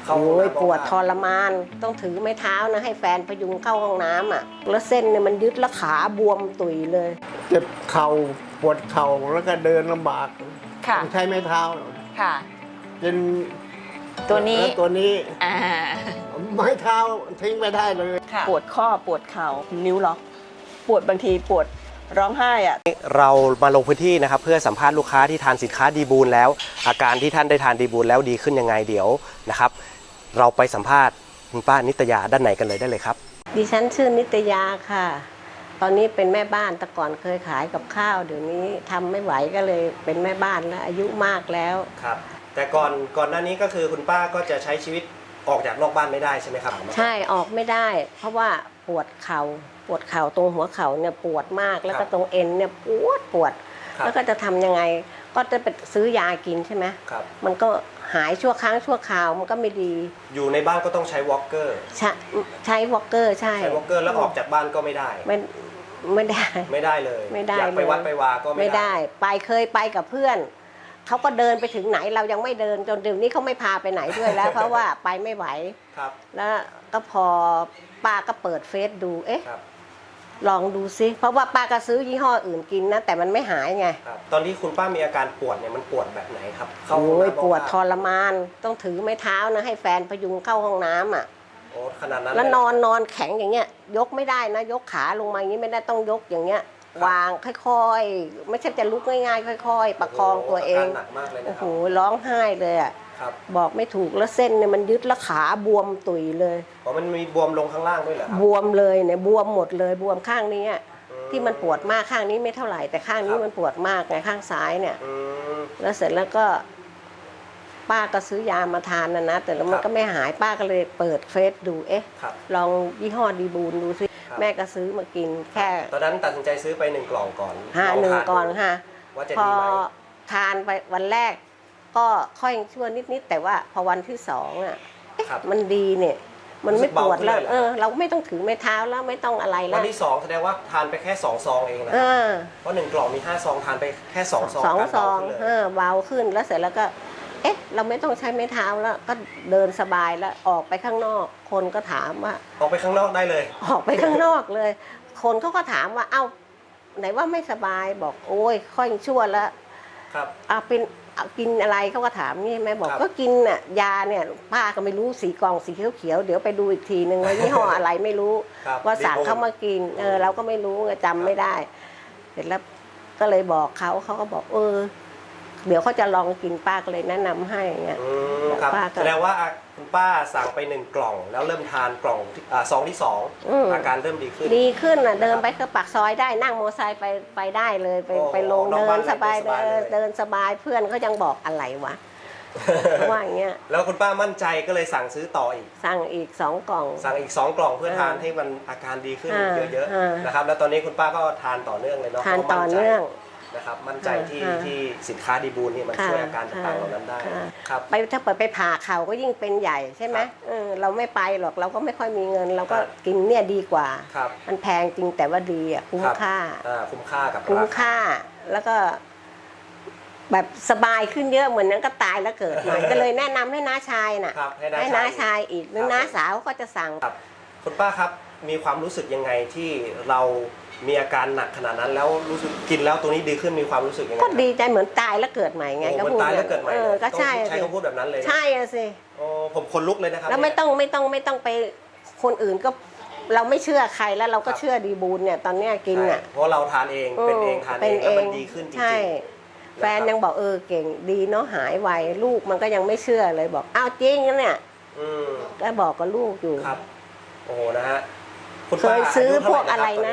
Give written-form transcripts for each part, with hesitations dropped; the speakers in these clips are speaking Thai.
เข้าห้องน้ำปวดทรมานต้องถือไม้เท้านะให้แฟนพยุงเข้าห้องน้ำอ่ะแล้วเส้นเนี่ยมันยึดแล้วขาบวมตุยเลยเจ็บเข่าปวดเข่าแล้วก็เดินลำบากต้องใช้ไม้เท้าค่ะเป็นตัวนี้ตัวนี้ไม้เท้าทิ้งไม่ได้เลยปวดข้อปวดเข่านิ้วล็อกปวดบางทีปวดร้องไห้อ่ะเรามาลงพื้นที่นะครับเพื่อสัมภาษณ์ลูกค้าที่ทานสินค้าดีบูลแล้วอาการที่ท่านได้ทานดีบูลแล้วดีขึ้นยังไงเดี๋ยวนะครับเราไปสัมภาษณ์คุณป้านิตยาด้านในกันเลยได้เลยครับดิฉันชื่อนิตยาค่ะตอนนี้เป็นแม่บ้านแต่ก่อนเคยขายกับข้าวเดี๋ยวนี้ทำไม่ไหวก็เลยเป็นแม่บ้านแล้วอายุมากแล้วครับแต่ก่อนหน้านี้ก็คือคุณป้าก็จะใช้ชีวิตออกจากนอกบ้านไม่ได้ใช่ไหมครับใช่ออกไม่ได้เพราะว่าปวดเข่าตรงหัวเข่าเนี่ยปวดมากแล้วก็ตรงเอ็นเนี่ยปวดแล้วก็จะทำยังไงก็จะไปซื้อยากินใช่ไหมมันก็หายชั่วครั้งชั่วคราวมันก็ไม่ดีอยู่ในบ้านก็ต้องใช้วอล์กเกอร์ใช้วอล์กเกอร์ใช่วอล์กเกอร์แล้วออกจากบ้านก็ไม่ได้ไม่ได้เลยอยากไปวัดไปวาก็ไม่ได้เคยไปกับเพื่อนเขาก็เดินไปถึงไหนเรายังไม่เดินจนเดี๋ยวนี้เขาไม่พาไปไหนด้วยแล้ว เพราะว่าไปไม่ไหวแล้วก็พอป้าก็เปิดเฟซดูลองดูซิเพราะว่าป้าก็ซื้อยี่ห้ออื่นกินนะแต่มันไม่หายไงตอนที่คุณป้ามีอาการปวดเนี่ยมันปวดแบบไหนครับโอ้ยปวดทรมานต้องถือไม้เท้านะให้แฟนพยุงเข้าห้องน้ำอ่ะโอ้ขนาดนั้นแล้วนอนแข็งอย่างเงี้ยยกไม่ได้นะยกขาลงมาอย่างนี้ไม่ได้ต้องยกอย่างเงี้ยวางค่อยๆไม่ใช่จะลุกง่ายๆค่อยๆประคองตัวเองโอ้โหร้องไห้เลยอ่ะบอกไม่ถูกแล้วเส้นเนี่ยมันยึดแล้วขาบวมตุยเลยมันมีบวมลงข้างล่างด้วยเหรอบวมเลยเนี่ยบวมหมดเลยบวมข้างนี้ที่มันปวดมากข้างนี้ไม่เท่าไหร่แต่ข้างนี้มันปวดมากไงข้างซ้ายเนี่ยแล้วเสร็จแล้วก็ป้าก็ซื้อยามาทานนะแต่แล้วมันก็ไม่หายป้าก็เลยเปิดเฟซดูลองยี่ห้อดีบูลดูซิแม่ก็ซื้อมากินแค่ตอนนั้นตัดสินใจซื้อไป1 กล่องก่อน 1 กล่องค่ะพอทานไปวันแรกก็ค่อยชั่วนิดๆแต่ว่าพอวันที่2อ่ะมันดีเนี่ยมันไม่ปวดแล้วเราไม่ต้องถือไม้เท้าแล้วไม่ต้องอะไรแล้ววันที่2แสดงว่าทานไปแค่2 ซองเองนะเพราะ1 กล่องมี5 ซองทานไปแค่2 ซอง 2 ซองเบาขึ้นแล้วเสร็จแล้วก็เราไม่ต้องใช้ไม้เท้าแล้วก็เดินสบายแล้วออกไปข้างนอกคนก็ถามว่าออกไปข้างนอกได้เลยออกไปข้างนอกเลยคนเขาก็ถามว่าเอ้าไหนว่าไม่สบายบอกโอ้ยค่อยชั่วแล้วเป็นกินอะไรเขาก็ถามนี่แม่บอกก็กินน่ะยาเนี่ยป้าก็ไม่รู้สีกล่องสีเขียวเดี๋ยวไปดูอีกทีนึงว่ายี่ห้ออะไรไม่รู้ว่าสั่งเขามากินเราก็ไม่รู้จำไม่ได้เสร็จแล้วก็เลยบอกเขาก็บอกเดี๋ยวเขาจะลองกินป้าก็เลยแนะนำให้เงี้ยแสดงว่าคุณป้าสั่งไป1 กล่องแล้วเริ่มทานกล่องซองที่2อาการเริ่มดีขึ้นน่ะเดินไปก็ปากซอยได้นั่งมอเตอร์ไซค์ไปได้เลยไปลงเดินสบายเดินสบายเพื่อนเขายังบอกอะไรวะว่าอย่างเงี้ยแล้วคุณป้ามั่นใจก็เลยสั่งซื้อต่ออีกสั่งอีก2 กล่องสั่งอีก2 กล่องเพื่อทานให้มันอาการดีขึ้นเยอะๆนะครับแล้วตอนนี้คุณป้าก็ทานต่อเนื่องเลยเนาะทานต่อเนื่องนะครับมั่นใจที่สินค้าดีบูลนี่มันช่วยอาการต่างๆเหล่านั้นได้ครับถ้าเปิดไปผ่าเข่าก็ยิ่งเป็นใหญ่ใช่ไหมเราไม่ไปหรอกเราก็ไม่ค่อยมีเงินเราก็กินเนี่ยดีกว่ามันแพงจริงแต่ว่าดีคุ้มค่ากับคุ้มค่าแล้วก็แบบสบายขึ้นเยอะเหมือนนั้นก็ตายแล้วเกิดใหม่ก็เลยแนะนำให้น้าชายน่ะให้น้าชายอีกหรือน้าสาวก็จะสั่งคุณป้าครับมีความรู้สึกยังไงที่เรามีอาการหนักขนาดนั้นแล้วรู้สึกกินแล้วตัวนี้ดีขึ้นมีความรู้สึกยังไงก็ดีใจเหมือนตายแล้วเกิดใหม่ไงก็พูดตายแล้วเกิดใหม่ก็ใช่คำพูดแบบนั้นเลยใช่สิผมคนลุกเลยนะครับแล้วไม่ต้องไปคนอื่นก็เราไม่เชื่อใครแล้วเราก็เชื่อดีบูลเนี่ยตอนนี้กินเพราะเราทานเองเป็นเองทานเองแล้วมันดีขึ้นจริงแฟนยังบอกเก่งดีเนาะหายไวลูกมันก็ยังไม่เชื่อเลยบอกอ้าวจริงนะเนี่ยก็บอกกับลูกอยู่ครับโอ้โหนะฮะเคยซื้อพวกอะไรนะ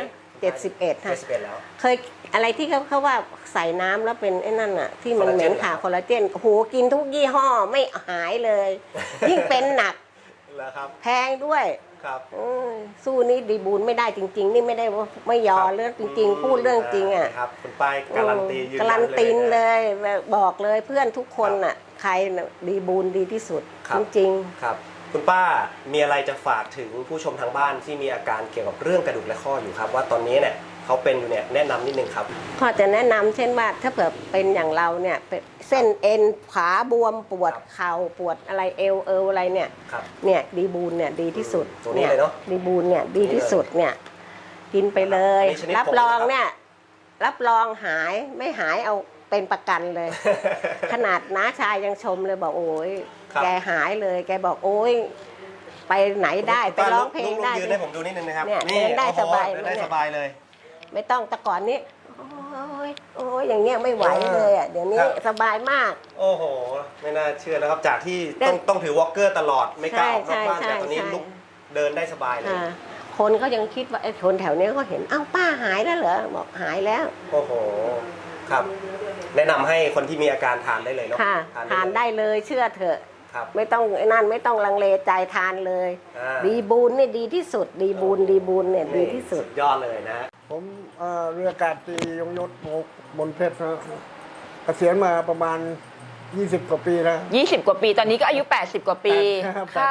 71ค่ะเคยอะไรที่เขาว่าใส่น้ำแล้วเป็นไอ้นั่นอ่ะที่มันเหม็นขาคอลลาเจนโอ้โหกินทุกยี่ห้อไม่หายเลยยิ่งเป็นหนักแพงด้วยสู้นี่ดีบูลไม่ได้จริงๆนี่ไม่ได้ไม่ยอเรื่องจริงๆพูดเรื่องจริงอ่ะครับคุณป้ายการันตีการันตีเลยบอกเลยเพื่อนทุกคนอ่ะใครดีบูลดีที่สุดจริงๆครับคุณป้ามีอะไรจะฝากถึงผู้ชมทางบ้านที่มีอาการเกี่ยวกับเรื่องกระดูกและข้ออยู่ครับว่าตอนนี้เนี่ยเขาเป็นอยู่เนี่ยแนะนำนิดนึงครับก็จะแนะนำเช่นว่าถ้าเผื่อเป็นอย่างเราเนี่ยเป็นเส้นเอ็นขาบวมปวดเข่าปวดอะไรเอวอะไรเนี่ยครับเนี่ยดีบูนเนี่ยดีที่สุดตัวนี้เลยเนาะดีบูนเนี่ยดีที่สุดเนี่ยกินไปเลยอันนี้ชนิดรับรองผงนะครับเนี่ยรับรองหายไม่หายเอาเป็นประกันเลย ขนาดน้าชายยังชมเลยบอกโอ้ยครับแกหายเลยแกบอกโอ้ยไปไหนได้ไปร้องเพลงได้ยืนให้ผมดูนิดนึงนะครับเนี่ยเดินได้โอ้โหสบายเดินได้สบายเลยไม่ต้องแต่ก่อนนี้โอ้ยโอ้ยอย่างเงี้ยไม่ไหวเลยอ่ะเดี๋ยวนี้ครับสบายมากโอ้โห ไม่น่าเชื่อนะครับ จากที่เดินต้องถือวอล์กเกอร์ตลอดไม่กล้าออกนอกบ้านใช่แต่ตอนนี้ใช่ลุกเดินได้สบายเลยอ่าคนก็ยังคิดว่าไอ้คนแถวเนี้ยก็เห็นอ้าวป้าหายแล้วเหรอบอกหายแล้วโอ้โห ครับ แนะนำให้คนที่มีอาการทานได้เลยเนาะค่ะทานได้เลยเชื่อเถอะครับไม่ต้องไอ้นั่นไม่ต้องลังเลใจทานเลยอ่าดีบูนเนี่ยดีที่สุด ดีบูนเนี่ยดีที่สุดยอดเลยนะผมเรืออากาศตรียงยศบนเพชรนะเกษียณมาประมาณ 20 กว่าปีแล้ว 20 กว่าปีตอนนี้ก็อายุ 80 กว่าปี ค่ะ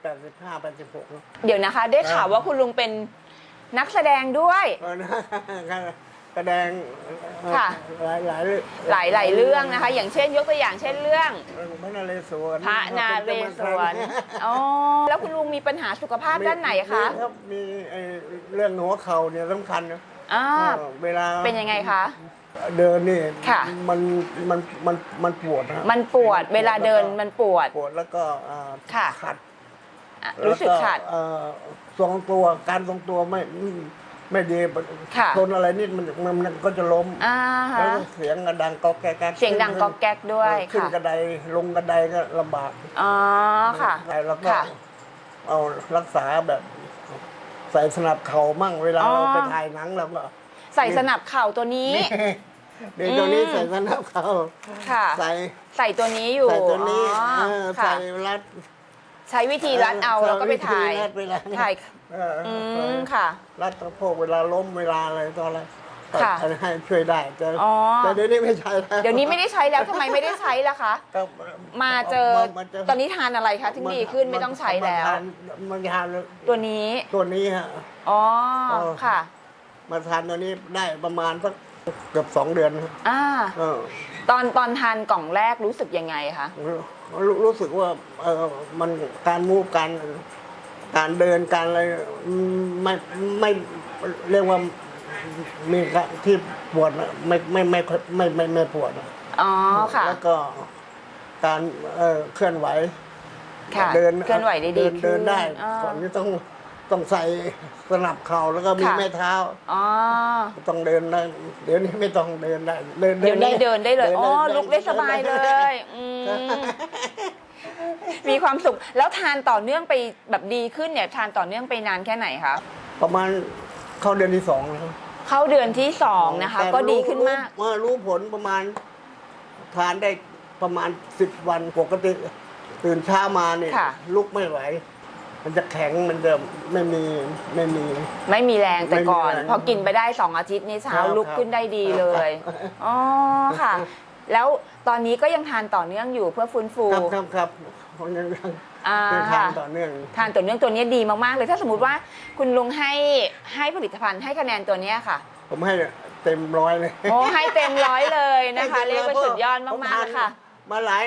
85 86นะเดี๋ยวนะคะ ได้ข่าวว่าคุณลุงเป็นนักแสดงด้วยแสดงค่ะหลายเรื่องหลายๆเรื่องนะคะ อย่างเช่นยกตัวอย่างเช่นเรื่องพระนเรศวรพระนาเรศวรอ๋อแล้วคุณลุงมีปัญหาสุขภาพด้านไหนคะมีรับมีไอ้เรื่องหัวเข่าเนี่ยสำคัญนะอ่าเวลาเป็นยังไงคะเดินนี่ค่ะมันปวดนะมันปวดเวลาเดินมันปวดปวดแล้วก็ค่ะขัดอ่ะรู้สึกขัดแล้วทรงตัวการทรงตัวไม่ดีค่ะชนอะไรนิดมันก็จะล้มอ่าแล้วฮะเสียงก็ดังก๊อกแก๊กเสียงดังก๊อกแก๊กด้วยขึ้นค่ะกระไดลงกระไดก็ลำบากอ๋อค่ะแล้วก็ค่ะเอารักษาแบบ ใส่สนับเข่ามั่งเวลาอ๋อเราไปถ่ายหนังเราก็ใส่สนับเข่าตัวนี้เดี๋ยวตัวนี้ใส่สนับเข่าค่ะใส่ใส่ตัวนี้อยู่ใส่ตัวนี้อ๋อใส่ค่ะรัดใช้วิธีรัดเอาแล้วก็ไปถ่ายใช้วิธีรัดเวลาถ่ายอืมค่ะรัดสะโพกเวลาล้มเวลาอะไรต่ออะไรก็ค่ะให้ช่วยได้แต่อ๋อแต่เดี๋ยวนี้ไม่ใช่แล้วเดี๋ยวนี้ไม่ได้ใช้แล้วทำไมไม่ได้ใช้ล่ะคะก็มาเจอมาเจตอนนี้ทานอะไรคะถึงดีขึ้นไม่ต้องใช้แล้วมันทานตัวนี้ตัวนี้ฮะอ๋อเออค่ะมาทานตัวนี้ได้ประมาณสักเกือบ2 เดือนครับอ่าเออตอนทานกล่องแรกรู้สึกยังไงคะรู้สึกว่ามันการมูฟการเดินการอะไรไม่เรียกว่ามีที่ปวดนะไม่ปวดนะอ๋อค่ะแล้วก็การเคลื่อนไหวค่ะเดินเคลื่อนไหวได้ดีขึ้นเดินได้อ่าก่อนที่ต้องใส่สนับเข่าแล้วก็มีค่ะแม่เท้าอ๋อต้องเดินได้เดี๋ยวนี้ไม่ต้องเดินได้เดี๋ยวนี้เดินได้เลย อ๋อ ลุกได้สบายเลดินได้ยอืมมีความสุข แล้วทานต่อเนื่องไปแบบดีขึ้นเนี่ย ทานต่อเนื่องไปนานแค่ไหนคะประมาณเข้าเดือนที่ 2แล้วเข้าเดือนที่2นะคะแต่ก็ดีขึ้นมากรู้ผลประมาณทานได้ประมาณ10 วันปกติตื่นเช้ามาเนี่ยค่ะลุกไม่ไหว มันจะแข็งมันจะไม่มีไม่มีแรงแต่ก่อนไม่มีแรงพอกินไปได้2 อาทิตย์นี้เช้าครับลุกขึ้นได้ดีเลย อ๋อค่ะ แล้วตอนนี้ก็ยังทานต่อเนื่องอยู่เพื่อฟื้นฟูครับผมยังอ่าทานต่อเนื่องทานต่อเนื่องตัวนี้ดีมากๆเลย ถ้าสมมติว่าคุณลุงให้ผลิตภัณฑ์ให้คะแนนตัวเนี้ยค่ะผมให้เต็ม100เลยโอ้ให้เต็ม100เลยนะคะให้เรียกว่าต็สุดยอดผมากๆเลยค่ะมาหลาย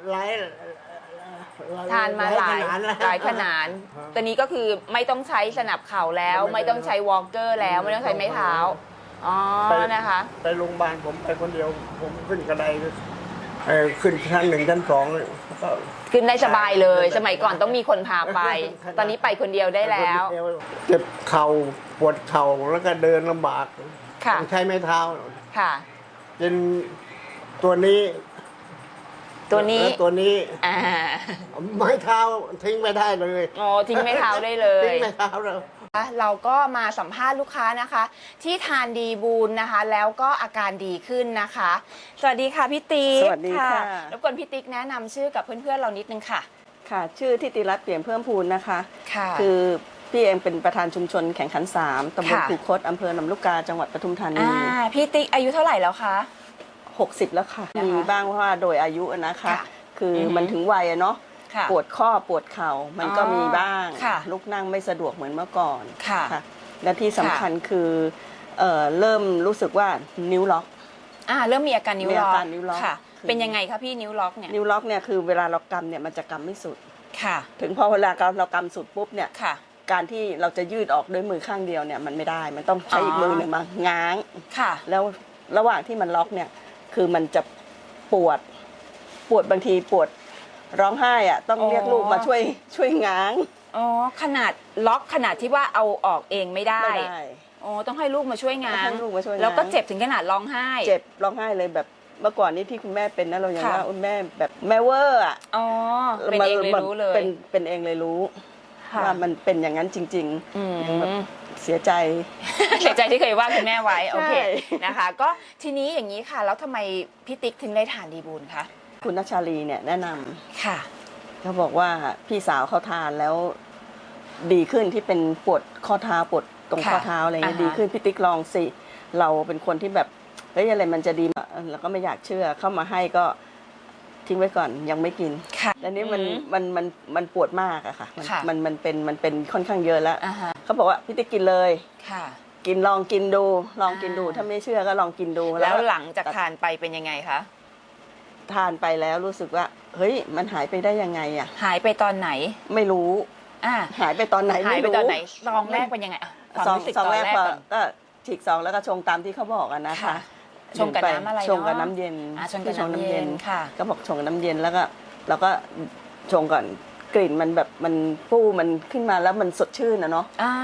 ทานมาหลายแล้วหลายขนาดตัวนี้ก็คือไม่ต้องใช้สนับเข่าแล้ว ไม่ต้องใช้วอล์กเกอร์แล้ว ไม่ต้องใช้ไม้เท้า อ๋อ นะคะไปโรงพยาบาลผมไปคนเดียว ผมขึ้นกระไดขึ้นชั้น 1 ชั้น 2เลยก็ขึ้นได้สบายเลย สมัยก่อนต้องมีคนพาไป ตอนนี้ไปคนเดียวได้แล้วเจ็บเข่าปวดเข่าแล้วก็เดินลำบากค่ะต้องใช้ไม้เท้าค่ะเป็นตัวนี้ตัวนี้แล้วตัวนี้อ่าไม้เท้าทิ้งไม่ได้เลยอ๋อทิ้งไม้เท้าได้เลทิ้ยงไม้เท้าเลยเราก็มาสัมภาษณ์ลูกค้านะคะ ที่ทานดีบูนนะคะ แล้วก็อาการดีขึ้นนะคะ สวัสดีค่ะพี่ติ๊กสวัสดีค่ะรบกวนพี่ติ๊กแนะนำชื่อกับเพื่อนๆเรานิดนึงค่ะค่ะ ชื่อทิติรัตน์เปี่ยมเพิ่มพูนนะคะค่ะคือพี่เองเป็นประธานชุมชนแข่งขัน 3 ตำบลค่ะคูคตอำเภอลำลูกกาจังหวัดปทุมธานีพี่ติ๊กอายุเท่าไหร่แล้วคะ 60 แล้วค่ะนะคะมีบ้างเพราะว่าโดยอายุนะคะค่ะคือออฮึมันถึงวัยอะเนาะค่ะปวดข้อปวดเข่ามันก็อ๋อมีบ้างค่ะลุกนั่งไม่สะดวกเหมือนเมื่อก่อนค่ะและที่สำคัญคือเริ่มรู้สึกว่านิ้วล็อกเริ่มมีอาการนิ้วล็อกมีอาการนิ้วล็อกค่ะคือเป็นยังไงคะพี่นิ้วล็อกเนี่ยนิ้วล็อกเนี่ยคือเวลาเรากำเนี่ยมันจะกำไม่สุดค่ะถึงพอเวลาเรากำสุดปุ๊บเนี่ยค่ะการที่เราจะยืดออกด้วยมือข้างเดียวเนี่ยมันไม่ได้ มันต้องใช้อีกมือหนึ่งมาง้างค่ะแล้วระหว่างที่มันล็อกเนี่ยคือมันจะปวดบางทีปวดร้องไห้อะต้องเรียกลูกมาช่วยง้างอ๋อขนาดล็อกขนาดที่ว่าเอาออกเองไม่ได้ไม่ได้อ๋อต้องให้ลูกมาช่วยงาต้อน งให้ลูกมาช่วยงานแล้วก็เจ็บถึงขนาดร้องไห้เจ็บร้องไห้เลยแบบเมื่อก่อนนี้ที่คุณแม่เป็นนะเราอย่างค่ะว่าแม่แบบแม่เวอร์อะอ๋อเป็นเองเลยรู้เลยเป็นเองเลยรู้ค่ะว่ามันเป็นอย่างนั้นจริงอืมๆยังแบบเสียใจเสียใจที่เคยว่าคุณแม่ไว้โอเคใช่นะคะ ก็ทีนี้อย่างนี้ค่ะ แล้วทำไมพี่ติ๊กถึงได้ทานดีบูลคะคุณนัชชาลีเนี่ยแนะนำค่ะเขาบอกว่าพี่สาวเขาทานแล้วดีขึ้นที่เป็นปวดข้อเท้าปวดตรงค่ะข้อเท้าอะไรเงี้ยอ่าฮะดีขึ้นพี่ติ๊กลองสิเราเป็นคนที่แบบเฮ้ยอะไรมันจะดีเราก็ไม่อยากเชื่อเข้ามาให้ก็ทิ้งไว้ก่อนยังไม่กินค่ะแล้วนี้มันอืมมันปวดมากอะค่ะค่ะมันเป็นค่อนข้างเยอะแล้วอ่าฮะเขาบอกว่าพี่ติ๊กกินเลยค่ะลองกินดูลองกินดูอ่าถ้าไม่เชื่อก็ลองกินดูแล้วหลังจากทานไปเป็นยังไงคะทานไปแล้วรู้สึกว่าเฮ้ยมันหายไปได้ยังไงอะหายไปตอนไหนไม่รู้อ่าหายไปตอนไหนหายไม่ไปรู้ตอนไหนซองแรกเป็นยังไงอ่ะความซองรู้สึกซองตอนแรกแรกพอก่อนก็ฉีกซองแล้วก็ชงตามที่เขาบอกอะนะคะค่ะ ชงกับน้ำอะไรเนอะชงกับน้ำเย็นชงกับน้ำเย็นค่ะก็บอกชงกับน้ำเย็นแล้วก็ชงก่อนกลิ่นมันแบบมันฟูมันขึ้นมาแล้วมันสดชื่นนะเนาะอ่าก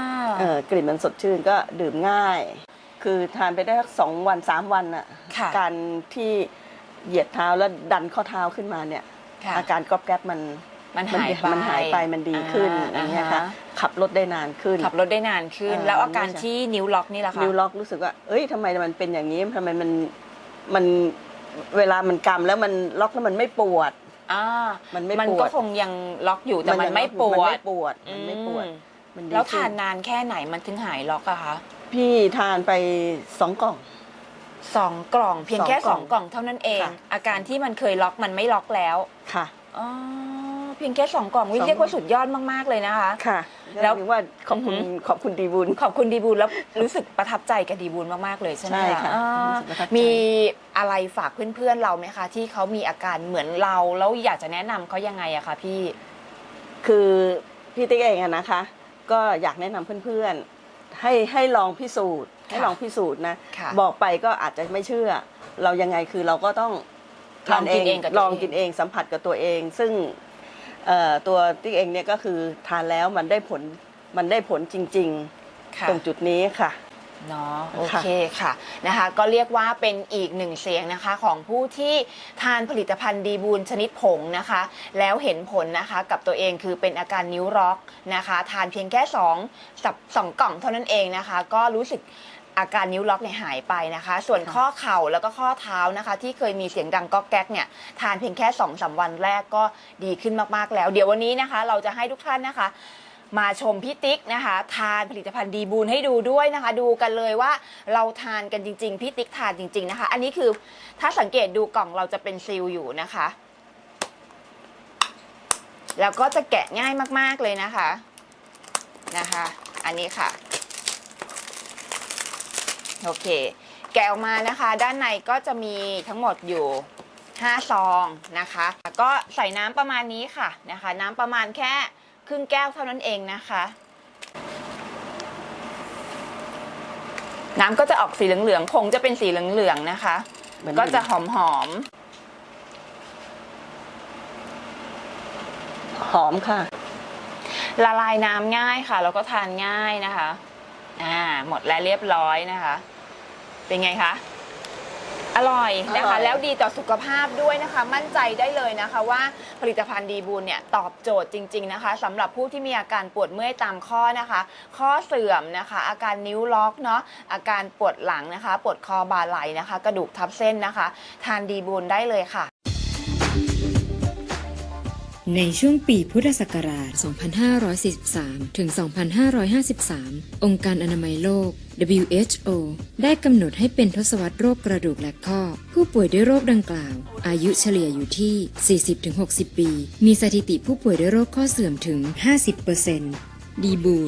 ลิ่นมันสดชื่นก็ดื่มง่าย คือทานไปได้สัก2 วัน 3 วันอะค่ะการที่เหยียดเท้าแล้วดันข้อเท้าขึ้นมาเนี่ยค่ะอาการก๊อบแก๊บมันหายไปมันหายไปมันดีขึ้นอย่างเงี้ยค่ะ ขับรถได้นานขึ้นขับรถได้นานขึ้น แล้วอาการที่นิ้วล็อกนี่แหละคะนิ้วล็อกรู้สึกว่า เอ้ยทำไมมันเป็นอย่างนี้ทำไมมันเวลามันกำแล้วมันล็อกแล้วมันไม่ปวดอ่ามันไม่มันปวดก็คงยังล็อกอยู่แต่มันไม่ปวมันดไม่ปวดมันไม่ปวดอืมมันดีแล้วขึ้ทานนานแค่ไหนมันถึงหายล็อกอะคะพี่ทานไป2 กล่อง 2 กล่องเพียงแค่ 2 กล่อง 2 กล่องเท่านั้นเองค่ะอาการที่มันเคยล็อกมันไม่ล็อกแล้วค่ะอ๋อเพียงแค่2 กล่องวิ 2 เรียกว่าสุดยอดมากๆเลยนะคะค่ะแล้แล้ว วถึงว่าขอบคุณดีบุญขอบคุณดีบูลแล้วรู้สึกประทับใจกับดีบูลมากๆเลยใช่ไหมใช่ค่ะอ่ารู้สึกประทับใจมีอะไรฝากเพื่อนๆเราไหมคะ ที่เขามีอาการเหมือนเราแล้วอยากจะแนะนำเขายังไงอะคะพี่คือพี่ติ๊กเองอะนะคะ ก็อยากแนะนำเพื่อนๆให้ลองพิสูจน์ให้ลองพิสูจน์นะค่ะบอกไปก็อาจจะไม่เชื่อ เรายังไงคือเราก็ต้องทานลองกินเองกับตัวเองลองกินเองสัมผัสกับตัวเอง ซึ่งตัวติ๊กเองเนี่ยก็คือทานแล้วมันได้ผลจริงค่ะๆ ตรงจุดนี้ค่ะเนาะโอเคค่ะนะคะก็เรียกว่าเป็นอีกหนึ่งเสียงนะคะของผู้ที่ทานผลิตภัณฑ์ดีบูลชนิดผงนะคะ แล้วเห็นผลนะคะกับตัวเองคือเป็นอาการนิ้วล็อกนะคะทานเพียงแค่2 กล่องเท่านั้นเองนะคะ ก็รู้สึกอาการนิ้วล็อกเนี่ยหายไปนะคะ ส่วนข้อเข่าแล้วก็ข้อเท้านะคะ ที่เคยมีเสียงดังก๊อกแก๊กเนี่ยทานเพียงแค่ 2-3 วันแรกก็ดีขึ้นมากๆแล้ว เดี๋ยววันนี้นะคะ เราจะให้ทุกท่านนะคะ มาชมพี่ติ๊กนะคะทานผลิตภัณฑ์ดีบูลให้ดูด้วยนะคะ ดูกันเลยว่าเราทานกันจริงๆพี่ติ๊กทานจริงๆนะคะ อันนี้คือถ้าสังเกตดูกล่องเราจะเป็นซีลอยู่นะคะ แล้วก็จะแกะง่ายมากๆเลยนะคะอันนี้ค่ะโอเคแกะออกมานะคะด้านในก็จะมีทั้งหมดอยู่5 ซองนะคะก็ใส่น้ำประมาณนี้ค่ะนะคะน้ำประมาณแค่ครึ่งแก้วเท่านั้นเองนะคะน้ำก็จะออกสีเหลืองๆผงจะเป็นสีเหลืองๆนะคะเหมือนก็จะหอมหอมค่ะๆละลายน้ำง่ายค่ะแล้วก็ทานง่ายนะคะหมดแล้วเรียบร้อยนะคะ เป็นไงคะอร่อยนะอร่คะอยแล้วดีต่อสุขภาพด้วยนะคะ มั่นใจได้เลยนะคะว่าผลิตภัณฑ์ดีบูลเนี่ยตอบโจทย์จริงๆนะคะสำหรับผู้ที่มีอาการปวดเมื่อยตามข้อนะคะ ข้อเสื่อมนะคะ อาการนิ้วล็อกเนาะอาการปวดหลังนะคะ ปวดคอบ่าไหล่นะคะ กระดูกทับเส้นนะคะ ทานดีบูลได้เลยค่ะในช่วงปีพุทธศักราช 2543 ถึง 2553 องค์การอนามัยโลก WHO ได้กำหนดให้เป็นทศวรรษโรคกระดูกและข้อ ผู้ป่วยด้วยโรคดังกล่าว อายุเฉลี่ยอยู่ที่ 40-60 ปี มีสถิติผู้ป่วยด้วยโรคข้อเสื่อมถึง 50% ดีบูล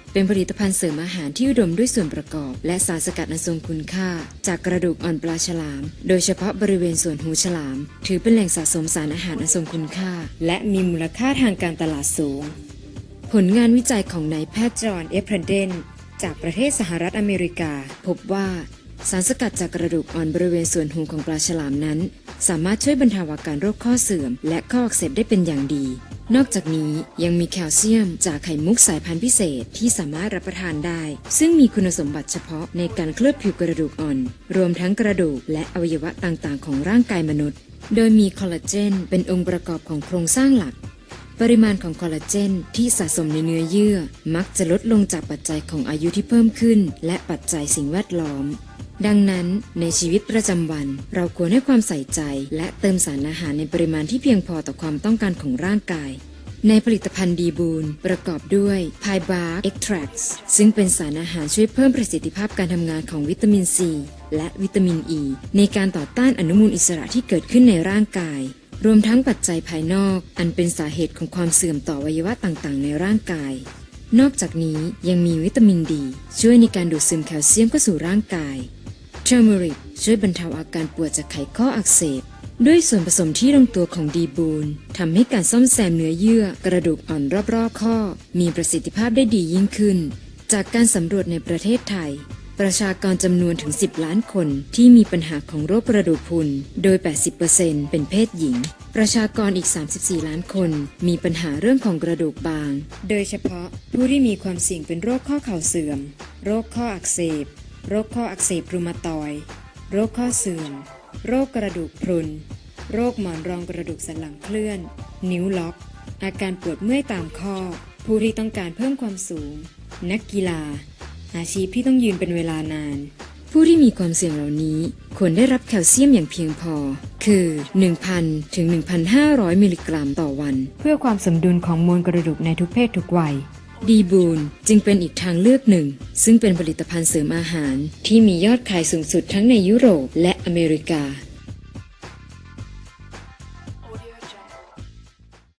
เป็นผลิตภัณฑ์เสริมอาหารที่อุดมด้วยส่วนประกอบและสารสกัดอันทรงคุณค่าจากกระดูกอ่อนปลาฉลาม โดยเฉพาะบริเวณส่วนหูฉลาม ถือเป็นแหล่งสะสมสารอาหารอันทรงคุณค่า และมีมูลค่าทางการตลาดสูง ผลงานวิจัยของนายแพทย์จอห์น เอฟเพรเดนจากประเทศสหรัฐอเมริกา พบว่าสารสกัดจากกระดูกอ่อนบริเวณส่วนหูของปลาฉลามนั้น สามารถช่วยบรรเทาอาการโรคข้อเสื่อมและข้ออักเสบได้เป็นอย่างดี นอกจากนี้ยังมีแคลเซียมจากไข่มุกสายพันธุ์พิเศษที่สามารถรับประทานได้ ซึ่งมีคุณสมบัติเฉพาะในการเคลือบผิวกระดูกอ่อน รวมทั้งกระดูกและอวัยวะต่างๆของร่างกายมนุษย์ โดยมีคอลลาเจนเป็นองค์ประกอบของโครงสร้างหลัก ปริมาณของคอลลาเจนที่สะสมในเนื้อเยื่อมักจะลดลงจากปัจจัยของอายุที่เพิ่มขึ้นและปัจจัยสิ่งแวดล้อม ดังนั้นในชีวิตประจำวันเราควรให้ความใส่ใจและเติมสารอาหารในปริมาณที่เพียงพอต่อความต้องการของร่างกายในผลิตภัณฑ์ดีบูนประกอบด้วย Pie Bark Extracts ซึ่งเป็นสารอาหารช่วยเพิ่มประสิทธิภาพการทำงานของวิตามินซีและวิตามินอ e ีในการต่อต้านอนุมูลอิสระที่เกิดขึ้นในร่างกายรวมทั้งปัจจัยภายนอกอันเป็นสาเหตุของความเสื่อมต่ออวัยวะต่างๆในร่างกายนอกจากนี้ยังมีวิตามินดีช่วยในการดูดซึมแคลเซียมเข้าสู่ร่างกายเทอร์เมริกช่วยบรรเทาอาการปวดจากไขข้ออักเสบด้วยส่วนผสมที่ลงตัวของดีบูนทำให้การซ่อมแซมเนื้อเยื่อกระดูกอ่อนรอบๆข้อมีประสิทธิภาพได้ดียิ่งขึ้นจากการสำรวจในประเทศไทยประชากรจำนวนถึง10 ล้านคนที่มีปัญหาของโรคกระดูกพรุนโดย 80% เป็นเพศหญิงประชากรอีก34 ล้านคนมีปัญหาเรื่องของกระดูกบางโดยเฉพาะผู้ที่มีความเสี่ยงเป็นโรคข้อเข่าเสื่อมโรคข้ออักเสบโรคข้ออักเสบรูมาตอยด์โรคข้อเสื่อมโรคกระดูกพรุนโรคหมอนรองกระดูกสันหลังเคลื่อนนิ้วล็อกอาการปวดเมื่อยตามข้อผู้ที่ต้องการเพิ่มความสูงนักกีฬาอาชีพที่ต้องยืนเป็นเวลานานผู้ที่มีความเสี่ยงเหล่านี้ควรได้รับแคลเซียมอย่างเพียงพอคือ 1,000 ถึง 1,500 มิลลิกรัมต่อวันเพื่อความสมดุลของมวลกระดูกในทุกเพศทุกวัยดีบูนจึงเป็นอีกทางเลือกหนึ่งซึ่งเป็นผลิตภัณฑ์เสริมอาหารที่มียอดขายสูงสุดทั้งในยุโรปและอเมริกา